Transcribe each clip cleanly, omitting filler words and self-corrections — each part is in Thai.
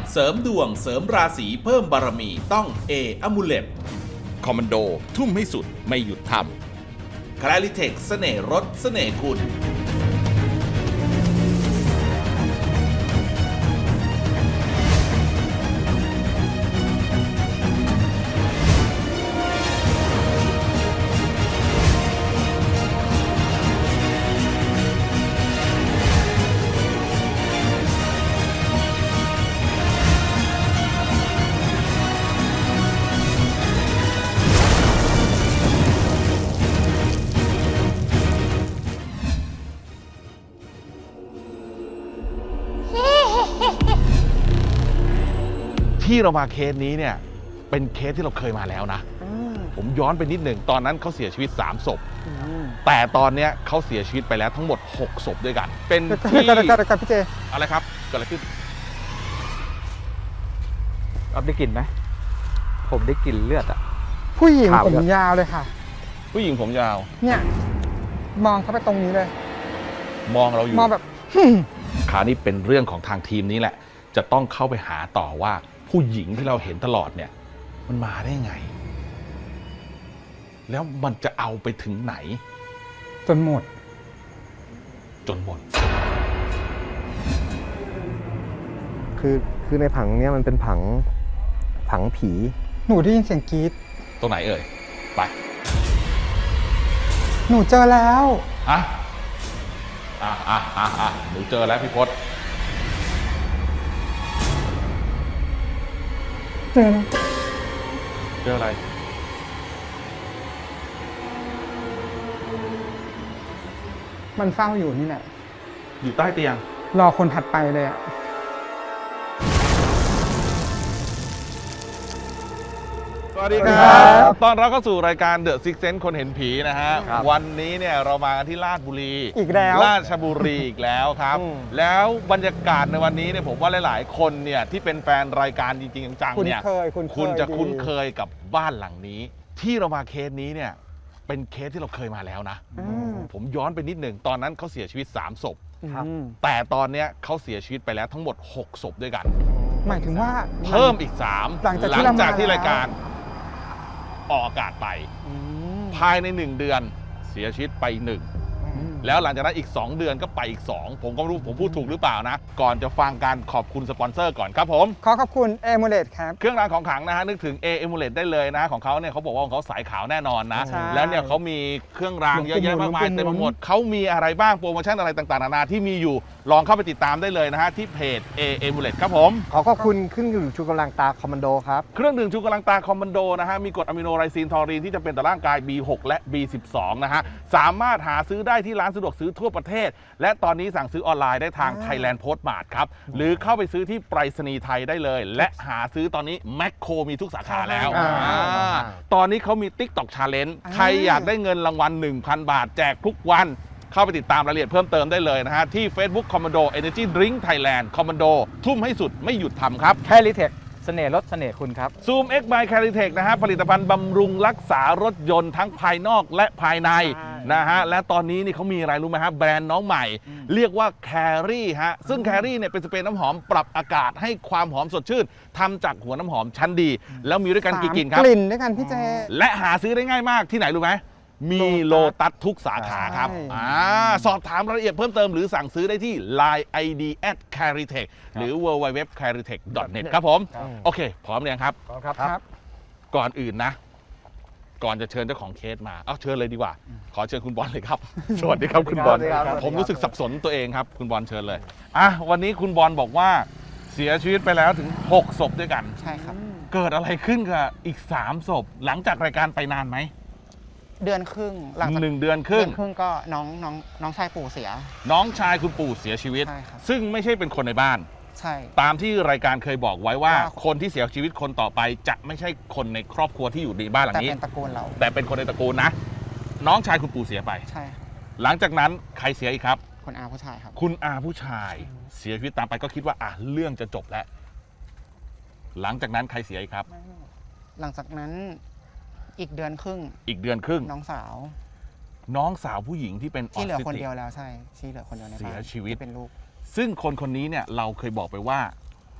เสริมดวงเสริมราศีเพิ่มบารมีต้องเออมูเลตคอมมานโดทุ่มให้สุดไม่หยุดทำคลาริเทคเสน่ห์รสเสน่ห์คุณที่เรามาเคสนี้เนี่ยเป็นเคสที่เราเคยมาแล้วนะผมย้อนไปนิดหนึ่งตอนนั้นเขาเสียชีวิต3ศพแต่ตอนเนี้ยเขาเสียชีวิตไปแล้วทั้งหมด6ศพด้วยกันเป็นที่กันพี่เจอะไรครับเกิดอะไรขึ้นอ๊อฟได้กลิ่นไหมผมได้กลิ่นเลือดอะผู้หญิงขาวผมด้วยยาวเลยค่ะผู้หญิงผมยาวเนี่ยมองเข้าไปตรงนี้เลยมองเราอยู่มองแบบคราวนี้เป็นเรื่องของทางทีมนี้แหละจะต้องเข้าไปหาต่อว่าผู้หญิงที่เราเห็นตลอดเนี่ยมันมาได้ไง แล้วมันจะเอาไปถึงไหนจนหมดจนหมดคือในผังเนี้ยมันเป็นผังผีหนูได้ยินเสียงกรี๊ดตรงไหนเอ่ยไปหนูเจอแล้วอ่ะหนูเจอแล้วพี่พศเจอแล้วเจออะไรมันเฝ้าอยู่นี่แหละอยู่ใต้เตียงรอคนถัดไปเลยอะสวัสดีครับตอนเราเข้าสู่รายการ The Six Sense คนเห็นผีนะฮะ วันนี้เนี่ยเรามากันที่ราชบุรีอีกแล้วราชบุรีอีกแล้วครับ แล้วบรรยากาศในวันนี้เนี่ยผมว่าหลายๆ คนเนี่ยที่เป็นแฟนรายการจริงๆจังๆเนี่ย คุณจะคุ้นเคยกับบ้านหลังนี้ ที่เรามาเคสนี้เนี่ยเป็นเคสที่เราเคยมาแล้วนะ ผมย้อนไปนิดหนึ่งตอนนั้นเขาเสียชีวิต3ศพครับแต่ตอนเนี้ยเขาเสียชีวิตไปแล้วทั้งหมด6ศพด้วยกันหมายถึงว่าเพิ่มอีก3 หลังจากที่เรามาที่รายการออกอากาศไป ภายใน1เดือนเสียชีวิตไป1แล้วหลังจากนั้นอีก2เดือนก็ไปอีก2ผมก็ไม่รู้ผมพูดถูกหรือเปล่านะก่อนจะฟังการขอบคุณสปอนเซอร์ก่อนครับผมขอขอบคุณเอมูเลตครับเครื่องรางของขลังนะฮะนึกถึง A Amulet ได้เลยนะของเขาเนี่ยเขาบอกว่าของเขาสายขาวแน่นอนนะใช่แล้วเนี่ยเขามีเครื่องรางเยอะแยะมากมายเต็มไปหมดเขามีอะไรบ้างโปรโมชั่นอะไรต่างๆนานาที่มีอยู่ลองเข้าไปติดตามได้เลยนะฮะที่เพจ A Amulet ครับผมขอขอบคุณขึ้นอยู่ชูกำลังตาคอมมานโดครับเครื่องดื่มชูกำลังตาคอมมานโดนะฮะมีกรดอะมิโนไรซีนทอรีนที่จะเป็นต่อร่างกาย B6 และ B12 นะฮะสามารถหาซื้อได้ที่ร้านสะดวกซื้อทั่วประเทศและตอนนี้สั่งซื้อออนไลน์ได้ทาง Thailand Postmart ครับหรือเข้าไปซื้อที่ไปรษณีย์ไทยได้เลย และหาซื้อตอนนี้แมคโครมีทุกสาขาแล้ว ตอนนี้เขามี TikTok Challenge ใครอยากได้เงินรางวัล 1,000 บาทแจกทุกวันเข้าไปติดตามรายละเอียดเพิ่มเติมได้เลยนะฮะที่ Facebook Commando Energy Drink Thailand Commando ทุ่มให้สุดไม่หยุดทำครับแคลิเทคเสน่ห์รสเสน่ห์คุณครับ Zoom X by Caritech นะฮะผลิตภัณฑ์บำรุงรักษารถยนต์ทั้งภายนอกและภายในนะฮะและตอนนี้นี่เขามีอะไรรู้ไหมฮะแบรนด์น้องใหม่ เรียกว่า Carry ฮะซึ่ง Carry เนี่ยเป็นสเปรย์น้ำหอมปรับอากาศให้ความหอมสดชื่นทำจากหัวน้ำหอมชั้นดี แล้วมีด้วยกันกี่กลิ่นครับกลิ่นด้วยกันพี่เจและหาซื้อได้ง่ายมากที่ไหนรู้ไหมมีโลตัสทุกสาขาครับใช่สอบถามรายละเอียดเพิ่มเติมหรือสั่งซื้อได้ที่ Line ID @caritech หรือ www.caritech.net ครับผม โอเค พร้อมหรือยังครับครับก่อนอื่นนะ ก่อนจะเชิญเจ้าของเคสมา เอาเชิญเลยดีกว่า ขอเชิญคุณบอลเลยครับ สวัสดีครับคุณบอลสวัสดีครับผมรู้สึกสับสนตัวเองครับ คุณบอลเชิญเลย วันนี้คุณบอลบอกว่าเสียชีวิตไปแล้วถึง6ศพด้วยกันใช่ครับเกิดอะไรขึ้นกับอีก3ศพหลังจากรายการไปนานไหมเดือนครึ่งหลังจาก 1 เดือนครึ่งก็น้องชายปู่เสียน้องชายคุณปู่เสียชีวิตใช่ครับซึ่งไม่ใช่เป็นคนในบ้านใช่ตามที่รายการเคยบอกไว้ว่าว่าคนที่เสียชีวิตคนต่อไปจะไม่ใช่คนในครอบครัวที่อยู่ในบ้านหลัแต่งนี้เป็นตระกูลเราแต่เป็นคนในตระกูลนะ น้องชายคุณปู่เสียไปใช่ครับหลังจากนั้นใครเสียอีกครับคนอาผู้ชายครับคุณอาผู้ชายเสียชีวิตตามไปก็คิดว่าเรื่องจะจบแล้ว หลังจากนั้นใครเสียอีกครับหลังจากนั้นอีกเดือนครึ่งอีกเดือนครึ่งน้องสาวน้องสาวผู้หญิงที่เป็นออที่เหลือทิสคนติกเดียวแล้วใช่ที่เหลือคนเดียวในบ้านเสียชีวิตที่เป็นลูกซึ่งคนคนนี้เนี่ยเราเคยบอกไปว่า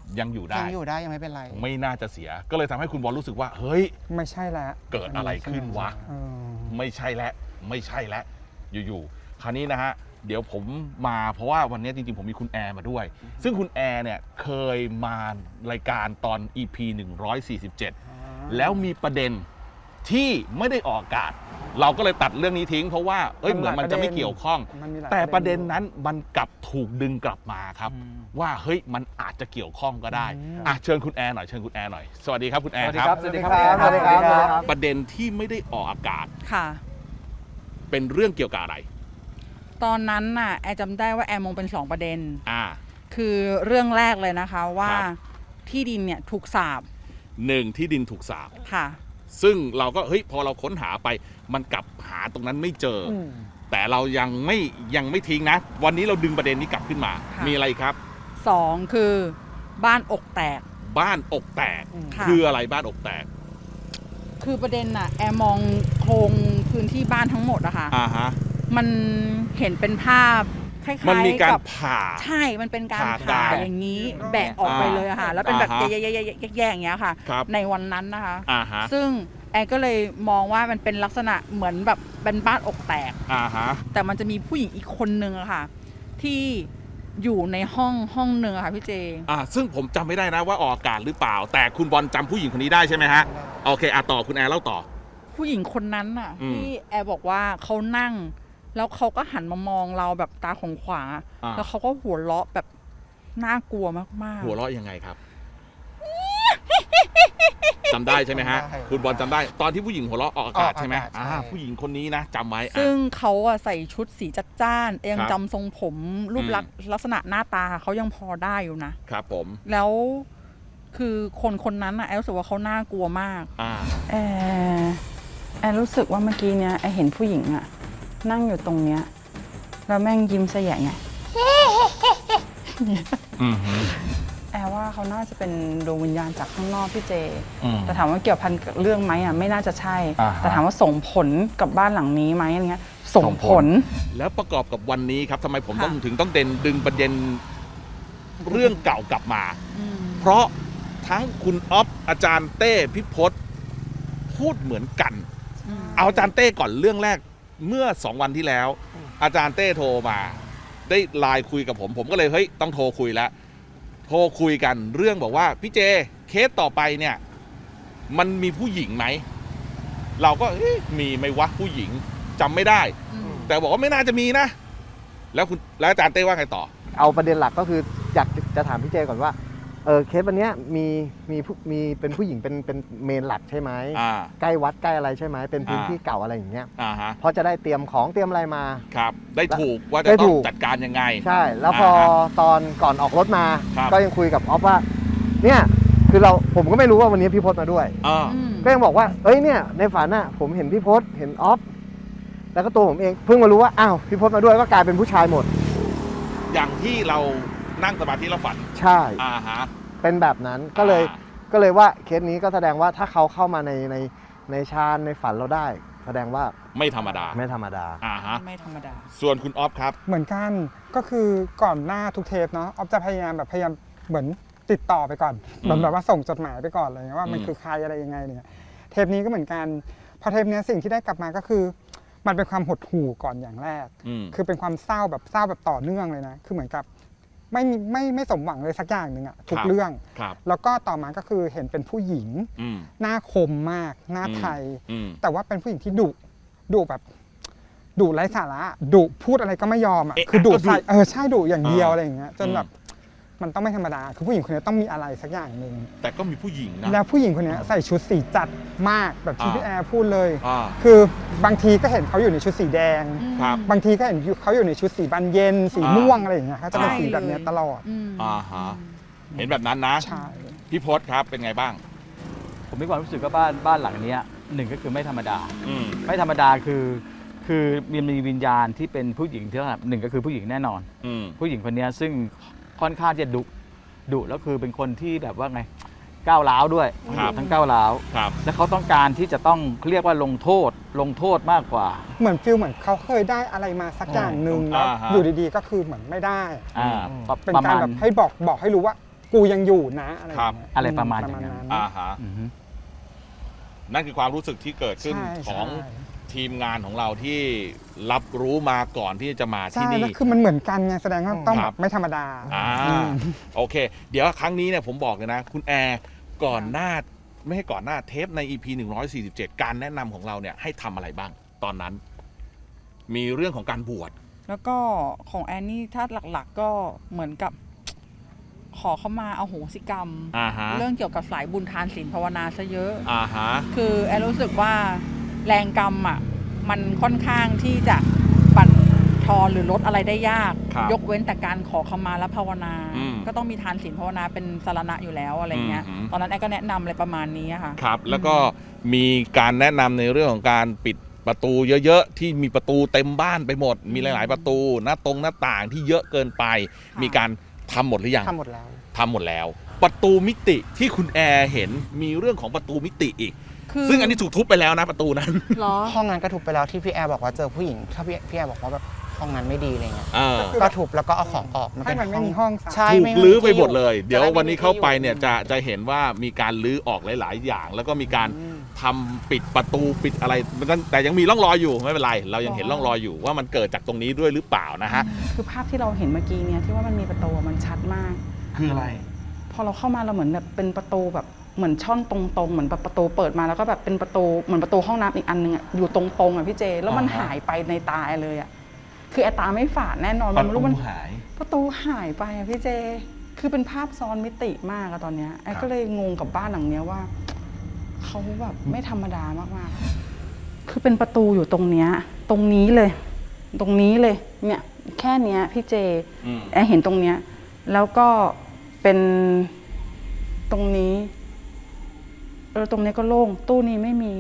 ยังอยู่ได้ยังอยู่ได้ยังไม่เป็นไรไม่น่าจะเสียก็เลยทำให้คุณบอลรู้สึกว่าเฮ้ยไม่ใช่แล้วเกิดอะไรขึ้นวะเออไม่ใช่แล้วอยู่ๆคราวนี้นะฮะเดี๋ยวผมมาเพราะว่าวันนี้จริงๆผมมีคุณแอร์มาด้วย ซึ่งคุณแอร์เนี่ยเคยมารายการตอน EP 147 แล้วมีประเด็นที่ไม่ได้ออกอากาศ เราก็เลยตัดเรื่องนี้ทิ้งเพราะว่าเหมือนมันจะไม่เกี่ยวข้องมันมีหลายแต่ประเด็นนั้นมันกลับถูกดึงกลับมาครับ ว่าเฮ้ยมันอาจจะเกี่ยวข้องก็ได้เชิญคุณแอร์หน่อยสวัสดีครับคุณแอร์ครับสวัสดีครับประเด็นที่ไม่ได้ออกอากาศค่ะเป็นเรื่องเกี่ยวกับอะไรตอนนั้นน่ะแอร์จำได้ว่าแอร์มองเป็น2ประเด็น คือเรื่องแรกเลยนะคะว่าครับที่ดินเนี่ยถูกสาบ 1ที่ดินถูกสาบค่ะซึ่งเราก็พอเราค้นหาไปมันกลับหาตรงนั้นไม่เจออแต่เรายังไม่ทิ้งนะ วันนี้เราดึงประเด็นนี้กลับขึ้นมาค่ะมีอะไรครับ 2 คือบ้านอกแตกบ้านอกแตกค่ะคืออะไรบ้านอกแตกคือประเด็นน่ะแอร์มองโครงพื้นที่บ้านทั้งหมดอะค่ะฮะมันเห็นเป็นภาพคล้ายๆมันมีการกับผ่าใช่มันเป็นการผ่าผ่าตายอย่างนี้แบะออกไปเลยอะค่ะ แล้วเป็นแบบอ่าฮะแย่ๆอย่างเงี้ยค่ะครับในวันนั้นนะคะฮะซึ่งแอร์ก็เลยมองว่ามันเป็นลักษณะเหมือนแบบเป็นบ้านอกแตกฮะแต่มันจะมีผู้หญิงอีกคนนึงอะค่ะ ที่อยู่ในห้องนึงอะค่ะพี่เจซึ่งผมจำไม่ได้นะว่าออกอากาศหรือเปล่า แต่คุณบอลจำผู้หญิงคนนี้ได้ใช่ไหมฮะโอเคต่อคุณแอร์เล่าต่อผู้หญิงคนนั้นน่ะอืมที่แอร์บอกว่าเขานั่ง แล้วเขาก็หันมามองเราแบบตาของขวางๆอะแล้วเขาก็หัวเราะแบบน่ากลัวมากๆหัวเราะยังไงครับจำได้ใช่ไหมฮะจำได้คุณบอลจำได้ ตอนที่ผู้หญิงหัวเราะออกอากาศใช่ไหมออกอากาศใช่ผู้หญิงคนนี้นะจำไว้ซึ่งเขาอะใส่ชุดสีจัดจ้านยังครับจำทรงผมรูปลักษณะหน้าตาเขายังพอได้อยู่นะครับผมแล้วคือคนนั้นอะแอร์รู้สึกว่าเขาน่ากลัวมาก แอร์รู้สึกว่าเมื่อกี้เนี้ยแอร์เห็นผู้หญิงอะนั่งอยู่ตรงเนี้ยแล้วแม่งยิ้มแสยงไงแอร์ว่าเขาน่าจะเป็นดวงวิญญาณจากข้างนอกพี่เจ แต่ถามว่าเกี่ยวพันกับเรื่องไหมอะไม่น่าจะใช่ แต่ถามว่าส่งผลกับบ้านหลังนี้ไหมอะไรเงี้ยส่งผลแล้วประกอบกับวันนี้ครับทำไมผมค่ะถึงต้องดึงประเด็นเรื่องเก่ากลับมา เพราะทั้งคุณอ๊อฟอาจารย์เต้พิพศพูดเหมือนกัน เอาอาจารย์เต้ก่อนเรื่องแรกเมื่อ2 วันที่แล้ว อาจารย์เต้โทรมาได้ไลน์คุยกับผมก็เลยเฮ้ยต้องโทรคุยแล้วโทรคุยกันเรื่องบอกว่าพี่เจเคสต่อไปเนี่ยมันมีผู้หญิงไหมเราก็มีไหมวะผู้หญิงจำไม่ได้ แต่บอกว่าไม่น่าจะมีนะ แล้วอาจารย์เต้ว่าไงต่อเอาประเด็นหลักก็คืออยากจะถามพี่เจก่อนว่าเคสวันเนี้ยมีเป็นผู้หญิงเป็นเมนหลักใช่ไหมใกล้วัดใกล้อะไรใช่ไหมเป็นพื้นที่เก่าอะไรอย่างเงี้ยเพราะจะได้เตรียมของเตรียมอะไรมาครับได้ถูกว่าจะได้ต้ถูองกจัดการยังไงใช่แล้วพอตอนก่อนออกรถมาครับก็ยังคุยกับออฟว่าเนี่ยคือผมก็ไม่รู้ว่าวันนี้พี่พศมาด้วย ก็ยังบอกว่าเอ้ยเนี่ยในฝันน่ะผมเห็นพี่พศเห็นออฟแล้วก็ตัวผมเองเพิ่งมารู้ว่าอ้าวพี่พศมาด้วยก็กลายเป็นผู้ชายหมดอย่างที่เรานั่งสมาธิเราฝันใช่ฮะเป็นแบบนั้นก็เลยว่าเคสนี้ก็แสดงว่าถ้าเขาเข้ามาในฌานในฝันเราได้ แสดงว่าไม่ธรรมดาไม่ธรรมดาฮะไม่ธรรมดาส่วนคุณออฟครับเหมือนกันก็คือก่อนหน้าทุกเทปเนาะออฟจะพยายามเหมือนติดต่อไปก่อนแบบว่าส่งจดหมายไปก่อนอะไรเงี้ยว่ามันคือใครอะไรยังไงเนี่ยเทปนี้ก็เหมือนกันพอเทปนี้สิ่งที่ได้กลับมาก็คือมันเป็นความหดหู่ก่อนอย่างแรก คือเป็นความเศร้าแบบต่อเนื่องเลยนะคือเหมือนกับไม่สมหวังเลยสักอย่างหนึ่งอะทุกเรื่อง แล้วก็ต่อมาก็คือเห็นเป็นผู้หญิงหน้าคมมากหน้าไทยแต่ว่าเป็นผู้หญิงที่ดุแบบดุไร้สาระดุพูดอะไรก็ไม่ยอมอ่ะคือดุใส่ใช่ดุอย่างเดียวอะไรอย่างเงี้ยจนแบบมันต้องไม่ธรรมดาคือผู้หญิงคนนี้ต้องมีอะไรสักอย่างหนึ่งแต่ก็มีผู้หญิงนะแล้วผู้หญิงคนนี้ใส่ชุดสีจัดมากแบบที่พี่แอร์พูดเลยอ่าคือบางทีก็เห็นเขาอยู่ในชุดสีแดงครับบางทีก็เห็นเขาอยู่ในชุดสีบานเย็นสีม่วงอะไรอย่างเงี้ยเขาจะเป็นสีแบบเนี้ยตลอดฮะเห็นแบบนั้นนะใช่พี่พศครับเป็นไงบ้างผมมีความรู้สึกว่าบ้านหลังเนี้ยหนึ่งก็คือไม่ธรรมดา ไม่ธรรมดาคือมีวิญญาณที่เป็นผู้หญิงที่หนึ่งก็คือผู้หญิงแน่นอน ผู้หญิงคนนี้ซึ่งค่อนข้างจะดุแล้วคือเป็นคนที่แบบว่าไงก้าวร้าวด้วยครับทั้งก้าวร้าวครับและเขาต้องการที่จะต้องเรียกว่าลงโทษมากกว่าเหมือนฟิลเหมือนเขาเคยได้อะไรมาสักอย่างหนึ่งแล้วอ่าฮะอยู่ดีๆก็คือเหมือนไม่ได้อ่าเป็นประการมาณแบบให้บอกให้รู้ว่ากูยังอยู่นะอะไรอย่างเงี้ยอะไรประมาณอย่างนั้นอ่าฮะอือฮึนั่นคือความรู้สึกที่เกิดขึ้นใช่ของใช่ทีมงานของเราที่รับรู้มาก่อนที่จะมาใช่ที่นี่แล้วคือมันเหมือนกันไงแสดงว่าต้องคแบรับบไม่ธรรมดาโอเค เดี๋ยวครั้งนี้เนี่ยผมบอกเลยนะ คุณแอร์ก่อนหน้าไม่ให้ก่อนหน้าเทปใน EP 147 การแนะนำของเราเนี่ยให้ทำอะไรบ้าง ตอนนั้น มีเรื่องของการบวชแล้วก็ของแอนนี่ถ้าหลักๆก็เหมือนกับ ขอเข้ามาเอาโหสิกรรมอ่าฮะเรื่องเกี่ยวกับสายบุญทานศีลภาวนาซะเยอะอ่าฮะคือแอนรู้สึกว่าแรงกรรมอ่ะมันค่อนข้างที่จะบั่นทอนหรือลดอะไรได้ยากครับยกเว้นแต่การขอขมาและภาวนาอืมก็ต้องมีทานศีลภาวนาเป็นสารณะอยู่แล้วอะไรเงี้ยอืมตอนนั้นแอนก็แนะนำอะไรประมาณนี้อะค่ะครับ แล้วก็มีการแนะนำในเรื่องของการปิดประตูเยอะๆที่มีประตูเต็มบ้านไปหมด มีหลาย ๆ ประตูหน้าต่างที่เยอะเกินไปค่ะมีการทำหมดหรือยังทำหมดแล้วทำหมดแล้ว ประตูมิติที่คุณแอร์เห็นมีเรื่องของประตูมิติอีกคือซึ่งอันนี้ถูกทุบไปแล้วนะประตูนั้นเหรอห้องนั้นก็ทุบไปแล้วที่พี่แอร์บอกว่าเจอผู้หญิง ถ้าพี่แอร์บอกว่าแบบห้องนั้นไม่ดีอะไรเงี้ย ก็ทุบแล้วก็เอาของออกให้มันไม่มีห้องซะใช่ถูกไม่ลื้อไปหมดที่เลย เดี๋ยวจะด้วันนี้เข้าไปเนี่ยม่มีจะเห็นว่ามีการลื้อออกหลาย ๆ อย่าง แล้วก็มีการทำปิดประตูปิดอะไรแต่ยังมีร่องรอยอยู่ไม่เป็นไร เรายังเห็นร่องรอยอยู่ว่ามันเกิดจากตรงนี้ด้วยหรือเปล่านะฮะคือภาพที่เราเห็นเมื่อกี้เนี่ยที่ว่ามันมีประตูมันชัดมากคืออะไรพอเราเข้ามาเราเหมือนแบบเป็นประตูแบบเหมือนช่องตรงๆเหมือนแบบประตูเปิดมาแล้วก็แบบเป็นประตูเหมือนประตูห้องน้ำอีกอันนึงอะอยู่ตรงๆอ่ะพี่เจ แล้วมันอ่าฮะหายไปในตาเลยอ่ะคือไอ้ตาไม่ฝาดแน่นอนมันไม่รู้มันหายประตูหายไปอ่ะพี่เจ คือเป็นภาพซ้อนมิติมากอะตอนเนี้ยไอ้ก็เลยงงกับบ้านหลังเนี้ยว่าเขาแบบไม่ธรรมดามากๆคือเป็นประตูอยู่ตรงเนี้ยตรงนี้เลย ตรงนี้เลยเนี่ยแค่เนี้ยพี่เจ แอร์เห็นตรงเนี้ยแล้วก็เป็นตรงนี้ตรงนี้ก็โล่งตู้นี้ไม่มี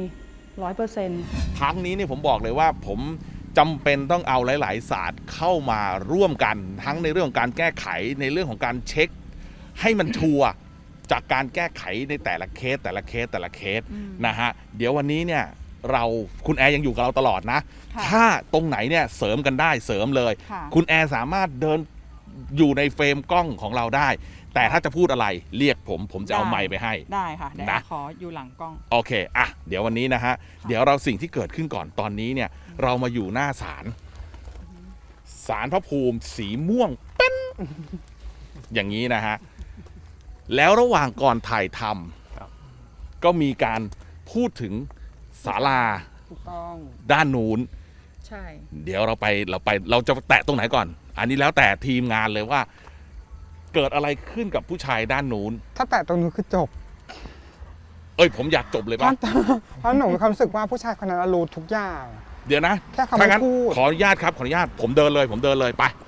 100% ครั้งนี้เนี่ยผมบอกเลยว่าผมจำเป็นต้องเอาหลาย ๆ ศาสตร์เข้ามาร่วมกันทั้งในเรื่องของการแก้ไขในเรื่องของการเช็ค ให้มันชัวร์จากการแก้ไขในแต่ละเคสนะฮะเดี๋ยววันนี้เนี่ยคุณแอร์ยังอยู่กับเราตลอดนะค่ะถ้าตรงไหนเนี่ยเสริมกันได้เสริมเลยค่ะคุณแอร์สามารถเดินอยู่ในเฟรมกล้องของเราได้ แต่ถ้าจะพูดอะไรเรียกผมจะเอาไมค์ไปให้ได้ค่ะเดี๋ยวนะขออยู่หลังกล้องโอเค อ่ะ เดี๋ยววันนี้นะฮะ เดี๋ยวเราสิ่งที่เกิดขึ้นก่อนตอนนี้เนี่ย เรามาอยู่หน้าศาลพระภูมิสีม่วงเป็น อย่างนี้นะฮะ แล้วระหว่างก่อนถ่ายทำก็มีการพูดถึงศาลาถูกต้องด้านนู้นใช่เดี๋ยวเราจะแตะตรงไหนก่อน อันนี้แล้วแต่ทีมงานเลยว่า เกิดอะไรขึ้นกับผู้ชายด้านนู้นถ้าแตะตรงนู้นคือจบเอ้ยผมอยากจบเลยป่ะเพราะหนูมีความรู้สึกว่าผู้ชายคนนั้นรู้ทุกอย่างเดี๋ยวนะแค่คำถ้างั้นพูดขออนุญาตครับ ขออนุญาต ผมเดินเลยไป